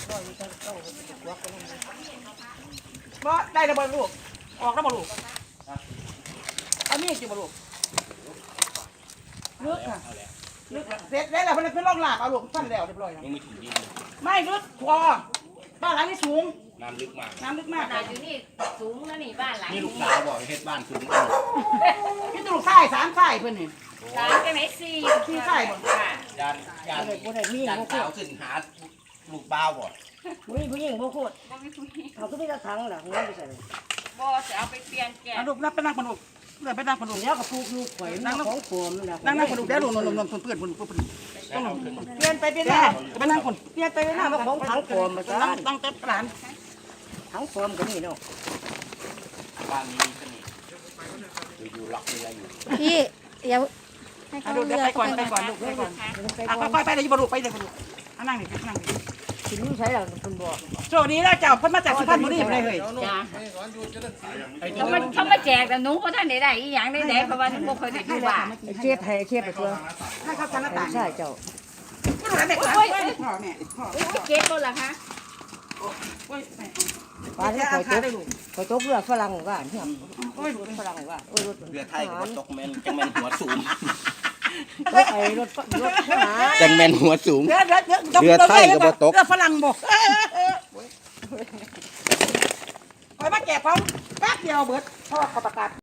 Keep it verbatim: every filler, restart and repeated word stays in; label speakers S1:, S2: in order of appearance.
S1: บ่ได้แล้วบ่ลูกออกแล้วบ่ลูกเอามีดจิบ่ลูกลึกค่ะลึกเสร็จแล้วเพิ่นเพิ่นลองลากเอาลูกฟันแล้วเรียบร้อยแล้ว
S2: ยังไม่ถึงดิน
S1: ไม่ลึกพอบ้านหลังนี้สูง
S2: น้ำลึกมาก
S1: น้ำลึกมาก
S3: ขนาดอยู่นี่สูงแล้วนี่บ้านหลัง
S2: นี่ลูกสาวบอกเฮ็ดบ้านสูง
S1: พี่ตุลูกชายสามชายเพิ่นนี่
S3: สามกันไหนสี่
S1: สี่ไส้บ่
S3: ค่ะ
S2: ยานยานยานสาวขึ้นหาลูกบ้าวบ่
S4: ผู้หญิงผู้หญิงบ่โคตร
S3: บ่มีผู้หญิง
S4: เขาก็มีกระถางล่ะหัวไปใส่
S3: บ่จะเอาไปเปลี่ยนแกะ
S1: เอาลูกนับไปนั่งคนลูกเดี๋ยวไปนั่งคนลูก
S4: เดี๋ยวก็ปลูกลูกข่อยมันของปลอมนั่นน่ะ
S1: นั่งนั่งคนลูกเดี๋ยวลูกนมนมเพื่อนเพื่อนเพื่อนเพื่อน
S2: แล้วเอาขึ้น
S1: เปลี่ยนไปเปลี่ยนมาไปนั่งคน
S4: เปลี่ยนไปหน้ามาของถังปลอมมาซะ
S1: นั่งตั้งเต็มร้าน
S4: ถังปลอมก็มีเนาะ
S2: บ้านนี้มีเสน่ห์อยู่ๆล็อกเรืออยู่
S5: พี่เดี๋ยวให้
S1: เอา
S5: เขา
S1: ลูกเดี๋
S5: เลื
S1: ยว
S5: อก
S1: ไปก่อนไปก่อนลูกไปก่อนอ่ะค่อยๆไปเลยบลูกไปเลยบลูกนั่งนี่นั่งนี่
S4: สินใช้แล้วคุณบอก
S1: โชคดีแล้วเจ้าเพิ่นมาจากสุพรรณบุรีบ่ได้เฮ้ย
S3: จ้าเขามาเขามาแจกแต่หนูก็ท่านได้ได้อีหยังได้ได้เพราะว่าหนูบ่เคยได้อยู่บ้าน
S4: ไอ้เจ็บให้เจ็บไปตัว
S1: ให้เขาชั้นหน้าต่าง
S4: ใช่เจ้า
S1: แม่พ่อแม่พ่อแม่พ่อ
S3: เก็บบ่ล่ะคะ
S4: ปลาที่ข่อยตกข่อยตกเรือฝรั่งว่าเนี่ย
S1: โอ้ย
S4: ฝรั่งว่าโอ้ยรถ
S2: เรือไทยกับตกแมนจังแมนหัวสูง
S4: รถไอ้รถรถทหาร
S2: จังแมนหัวสูง
S1: เรือเรือเรือเรือฝรั่งบ่คอยมาแจกพร้อมแป๊บเดียวเบิดพ่อเขาประกาศ